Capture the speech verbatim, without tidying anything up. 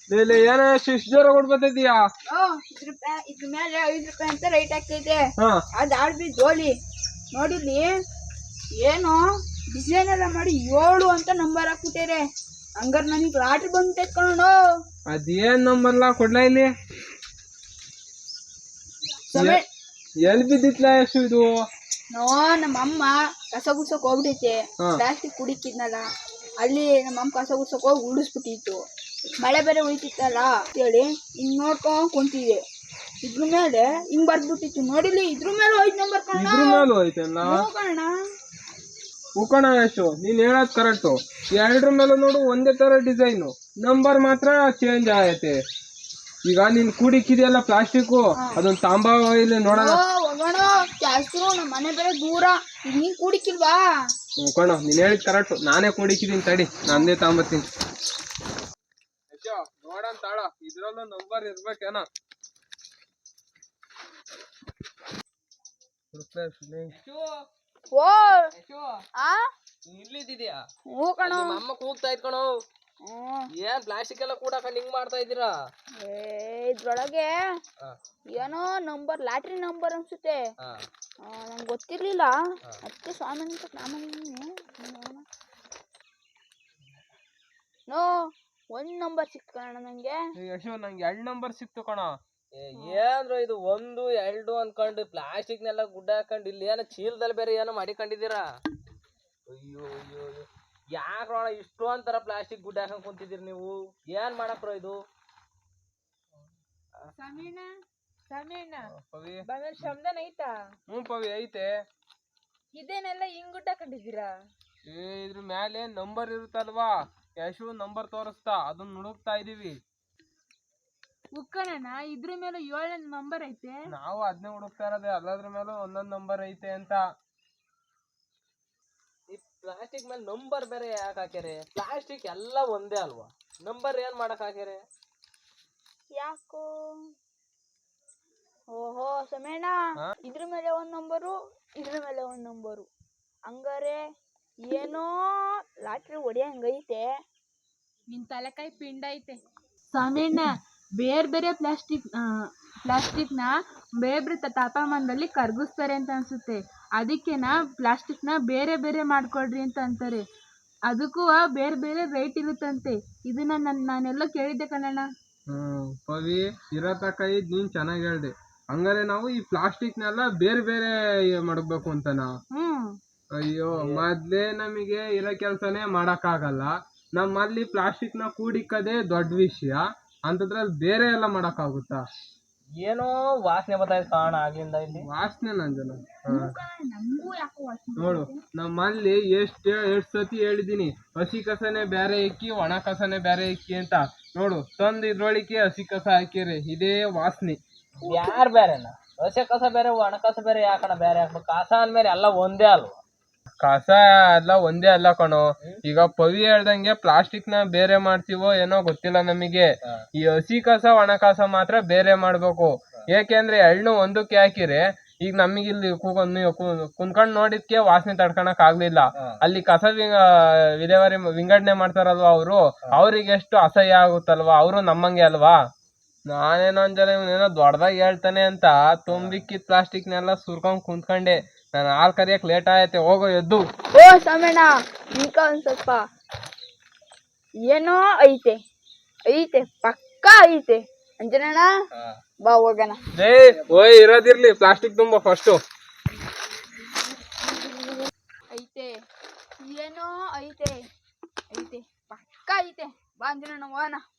ಲೇ ಏನ ಶಿಶ್ ಜ್ವರ ಕೊಡ್ಬತ್ತಿದ್ಯಾ? ಇದ್ರ ಇದ್ರ ಮೇಲೆ ಐದು ರೂಪಾಯಿ ಅಂತ ರೈಟ್ ಆಗ್ತೈತೆ. ಅದ್ ಆಡ್ಬಿ ಜೋಲಿ ನೋಡಿಲಿ ಏನು ಡಿಸೈನ್ ಎಲ್ಲ ಮಾಡಿ ಏಳು ಅಂತ ನಂಬರ್ ಹಾಕ್ಬಿಟ್ಟೇರೆ. ಹಂಗಾರ ನನಗೆ ಲಾಟ್ರಿ ಬಂದು ತೆಕ್ಕೊಂಡು ಅದೇನ್ ನಂಬರ್ಲಾ ಕೊಡ್ಲಾ ಇಲ್ಲಿ ಎಲ್ ಬಿದ್ದಿತ್ಲಾ ಎಷ್ಟು ಇದು? ನೋ ನಮ್ಮ ಅಮ್ಮ ಕಸ ಗುಡ್ಸಕ್ ಹೋಗ್ಬಿಟ್ಟೈತೆ. ಪ್ಲಾಸ್ಟಿಕ್ ಕುಡಿಕಿದ್ನಲ್ಲ ಅಲ್ಲಿ ನಮ್ಮ ಅಮ್ಮ ಕಸ ಗುಡ್ಸಕ್ ಹೋಗಿ ಉಳಿಸ್ಬಿಟ್ಟಿತ್ತು. ಮಳೆ ಬೇರೆ ಉಳಿತಿತ್ತಲ್ಲ ಅಂತೇಳಿ ಹಿಂಗ್ ನೋಡ್ಕೊಂಡ್ ಕುಂತಿದೆ. ಇದ್ರ ಮೇಲೆ ಹಿಂಗ್ ಬರ್ದ್ಬಿಟ್ಟಿತ್ತು ನೋಡಿಲಿ. ಇದ್ರ ಮೇಲೆ ಐದು ನಂಬರ್ ಕಣ ಉಕಣ ಎಷ್ಟು ನೀನ್ ಹೇಳದ್ ಕರೆಕ್ಟು. ಎರಡ್ರ ಮೇಲೆ ನೋಡು ಒಂದೇ ತರ ಡಿಸೈನು, ನಂಬರ್ ಮಾತ್ರ ಚೇಂಜ್ ಆಗೈತೆ. ಈಗ ನೀನ್ ಕೂಡಿಕ್ಕಿದೆಯಲ್ಲ ಪ್ಲಾಸ್ಟಿಕ್, ಅದೊಂದು ತಾಂಬಾ ಇಲ್ಲಿ ನೋಡೋಣ. ನಮ್ಮ ಮನೆ ಬೇರೆ ದೂರ, ಈಗ ನೀನ್ ಕೂಡಿಕ್ಕಿಲ್ವಾ? ಕಣ ನೀನ್ ಹೇಳಿದ್ ಕರೆಕ್ಟ್, ನಾನೇ ಕೂಡಿಕ್ಕಿದೀನಿ ತಡಿ, ನಂದೇ ತಾಂಬತ್ತೀನಿ. ನೋಡೋಣ ತಾಳ, ಇದ್ರಲ್ಲೂ ನಂಬರ್ ಇರ್ಬೇಕೇನ? ಇಲ್ಲಿದ್ದಿದ್ಯಾ? ಅಮ್ಮ ಕೂಗ್ತಾ ಇದ್ಕಣೋ. ಏನ್ ಪ್ಲಾಸ್ಟಿಕ್ ಎಲ್ಲ ಕೂಡಾಕೊಂಡು ಹಿಂಗ್ ಮಾಡ್ತಾ ಇದ್ದೀರಾ? ಇದ್ರೊಳಗೆ ಏನೋ ನಂಬರ್, ಲಾಟ್ರಿ ನಂಬರ್ ಅನ್ಸುತ್ತೆ. ನಂಗೆ ಗೊತ್ತಿರ್ಲಿಲ್ಲ, ಅದಕ್ಕೆ ಸ್ವಾಮಿ ಅಂತ ನಾಮನಿ. ನೋ ಒಂದ್ ನಂಬರ್ ಸಿಕ್ತು ಕಣ ನಂಗೆ. ಯಶೋ ನಂಗೆ ಎರಡ್ ನಂಬರ್ ಸಿಕ್ತು ಕಣ. ಏನ್ರ ಇದು ಒಂದು ಎರಡು ಅನ್ಕೊಂಡು ಪ್ಲಾಸ್ಟಿಕ್ನೆಲ್ಲ ಗುಡ್ಡ ಹಾಕೊಂಡು ಇಲ್ಲಿ ಏನೋ ಚೀಲದಲ್ಲಿ ಬೇರೆ ಏನೋ ಮಾಡಿಕೊಂಡಿದ್ದೀರಾ? ಅಯ್ಯೋ ಅಯ್ಯೋ ಯಾಕ್ರೋಣ ಇಷ್ಟು ಅಂತಾರ ಪ್ಲಾಸ್ಟಿಕ್ ಗುಡ್ಡ ಹಾಕೊಂಡ್ ಕುಂತಿದ್ದೀರಿ ನೀವು? ಏನ್ ಮಾಡಕ್ರೋ ಇದು? ಸಮೀಣ ಸಮೀಣ ಪವಿ ಶಬ್ದನ ಐತಾ? ಹ್ಞೂ ಪವಿ ಐತೆ. ಇದೇನೆಲ್ಲ ಹಿಂಗ್ ಗುಡ್ಡ ಹಾಕೊಂಡಿದ್ದೀರಾ? ಏ ಇದ್ರ ಮ್ಯಾಲೆ ನಂಬರ್ ಇರುತ್ತಲ್ವಾ, ಯಶು ನಂಬರ್ ತೋರಿಸ್ತಾ, ಅದನ್ನ ಹುಡುಕ್ತಾ ಇದೀವಿ. ಉಕ್ಕಣ ಇದ್ರ ಮೇಲೆ ಏಳನೇ ನಂಬರ್ ಐತೆ. ನಾವು ಅದನ್ನೇ ಹುಡುಕ್ತಾ ಇರೋದೇ, ಎಲ್ಲದ್ರ ಮೇಲೂ ಒಂದೊಂದ್ ನಂಬರ್ ಐತೆ ಅಂತ. ಈ ಪ್ಲಾಸ್ಟಿಕ್ ಮೇಲೆ ನಂಬರ್ ಬೇರೆ ಯಾಕೆ ಹಾಕ್ಯಾರೆ? ಪ್ಲಾಸ್ಟಿಕ್ ಎಲ್ಲ ಒಂದೇ ಅಲ್ವಾ, ನಂಬರ್ ಏನ್ ಮಾಡಕ್ ಹಾಕ್ಯಾರೆ? ಯಾಕೋ ಓಹೋ ಸಮೇಣ, ಇದ್ರ ಮೇಲೆ ಒಂದ್ ನಂಬರು, ಇದ್ರ ಮೇಲೆ ಒಂದ್ ನಂಬರು, ಹಂಗಾರೆ ಏನೋ ಲಾಟ್ರಿ ಹೊಡಿಯಂಗೈತೆ. ನಿನ್ ತಲೆಕಾಯಿ ಪಿಂಡ ಐತೆ ಸಮೀಣ. ಬೇರೆ ಬೇರೆ ಪ್ಲಾಸ್ಟಿಕ್ ಪ್ಲಾಸ್ಟಿಕ್ನ ಬೇರೆ ಬೇರೆ ತಾಪಮಾನದಲ್ಲಿ ಕರಗಿಸ್ತಾರೆ ಅಂತ ಅನ್ಸುತ್ತೆ. ಅದಕ್ಕೆನಾ ಪ್ಲಾಸ್ಟಿಕ್ನ ಬೇರೆ ಬೇರೆ ಮಾಡ್ಕೊಳ್ರಿ ಅಂತ ಅಂತಾರೆ. ಅದಕ್ಕೂ ಬೇರೆ ಬೇರೆ ರೇಟ್ ಇರುತ್ತಂತೆ. ಇದನ್ನ ನನ್ ನಾನೆಲ್ಲೋ ಕೇಳಿದ್ದೆ ಕಣಣ್ಣ. ಹ್ಮ್ ಪವಿ ಇರತಕ್ಕ ಇದ್ ನೀನ್ ಚೆನ್ನಾಗಿ ಹೇಳ್ದೆ. ಹಂಗಾರೆ ನಾವು ಈ ಪ್ಲಾಸ್ಟಿಕ್ನೆಲ್ಲ ಬೇರೆ ಬೇರೆ ಮಾಡ್ಬೇಕು ಅಂತನಾ? ಹ್ಮ್ ಅಯ್ಯೋ ಮೊದ್ಲೇ ನಮಗೆ ಇರೋ ಕೆಲ್ಸನೇ ಮಾಡಕ್ ಆಗಲ್ಲ. ನಮ್ಮಲ್ಲಿ ಪ್ಲಾಸ್ಟಿಕ್ ನ ಕೂಡಿಕ್ಕದೇ ದೊಡ್ಡ ವಿಷಯ, ಅಂತದ್ರಲ್ಲಿ ಬೇರೆ ಎಲ್ಲ ಮಾಡಕ್ ಆಗುತ್ತಾ? ಏನೋ ವಾಸನೆ ಬರ್ತಾಯಿದೆ ಕಾಣ ಆಗ್ಲಿಂದ ಇಲ್ಲಿ. ವಾಸನೆ ನಂಜನ ನೋಡು, ನಮ್ಮಲ್ಲಿ ಎಷ್ಟ್ ಎಷ್ಟ್ ಸತಿ ಹೇಳಿದೀನಿ, ಹಸಿ ಕಸನೇ ಬೇರೆ ಇಕ್ಕಿ ಒಣ ಕಸನೇ ಬೇರೆ ಇಕ್ಕಿ ಅಂತ. ನೋಡು ತಂದ್ ಇದ್ರೊಳಿಕೆ ಹಸಿ ಕಸ ಹಾಕಿರಿ, ಇದೇ ವಾಸನೆ. ಯಾರ್ ಬೇರೆನಾ? ಹಸಿ ಕಸ ಬೇರೆ ಒಣ ಕಸ ಬೇರೆ ಯಾಕಣ ಬೇರೆ ಹಾಕ್ಬೇಕು? ಕಸ ಅಂದ್ಮೇಲೆ ಎಲ್ಲ ಒಂದೇ ಅಲ್ವಾ? ಕಸ ಎಲ್ಲ ಒಂದೇ ಅಲ್ಲ ಕಣೋ. ಈಗ ಪವಿ ಹೇಳ್ದಂಗೆ ಪ್ಲಾಸ್ಟಿಕ್ ನ ಬೇರೆ ಮಾಡ್ತೀವೋ ಏನೋ ಗೊತ್ತಿಲ್ಲ ನಮಗೆ. ಈ ಹಸಿ ಕಸ ಒಣ ಕಸ ಮಾತ್ರ ಬೇರೆ ಮಾಡ್ಬೇಕು. ಏಕೆಂದ್ರೆ ಎಳ್ಳು ಒಂದಕ್ಕೆ ಹಾಕಿರಿ, ಈಗ ನಮಗ್ ಇಲ್ಲಿ ಕುಂತ್ಕೊಂಡ್ ನೋಡಿದ್ಕೆ ವಾಸನೆ ತಡ್ಕೊಳಕ್ ಆಗ್ಲಿಲ್ಲ. ಅಲ್ಲಿ ಕಸ ವಿಲೇವಾರಿ ವಿಂಗಡಣೆ ಮಾಡ್ತಾರಲ್ವಾ ಅವರು, ಅವ್ರಿಗೆ ಎಷ್ಟು ಅಸಹ್ಯ ಆಗುತ್ತಲ್ವಾ, ಅವರು ನಮ್ಮಂಗೆ ಅಲ್ವಾ. ನಾನೇನೋ ಅಂಜನ ಇವನೇನೋ ದೊಡ್ಡದಾಗಿ ಹೇಳ್ತಾನೆ ಅಂತ ತುಂಬಿಕ್ಕಿದ್ ಪ್ಲಾಸ್ಟಿಕ್ನೆಲ್ಲ ಸುರ್ಕೊಂಡ್ ಕುಂತ್ಕೊಂಡೆ. ನಾನು ಹಾಲ್ ಕರಿಯಕ್ ಲೇಟ್ ಆಯತ್ತೆ, ಹೋಗೋ ಎದ್ದು. ಓ ಸಮಣ, ಈಗ ಒಂದ್ ಸ್ವಲ್ಪ ಏನೋ ಐತೆ ಐತೆ ಪಕ್ಕಾ ಐತೆ ಅಂಜನಣ್ಣ, ಬಾ ಹೋಗೋಣ. ಏ ಓಯ್ ಇರೋದಿರ್ಲಿ, ಪ್ಲಾಸ್ಟಿಕ್ ತುಂಬ ಫಸ್ಟು. ಐತೆ ಏನೋ ಐತೆ ಐತೆ ಪಕ್ಕಾ ಐತೆ, ಬಾ ಅಂಜನಣ್ಣ ಹೋಗೋಣ.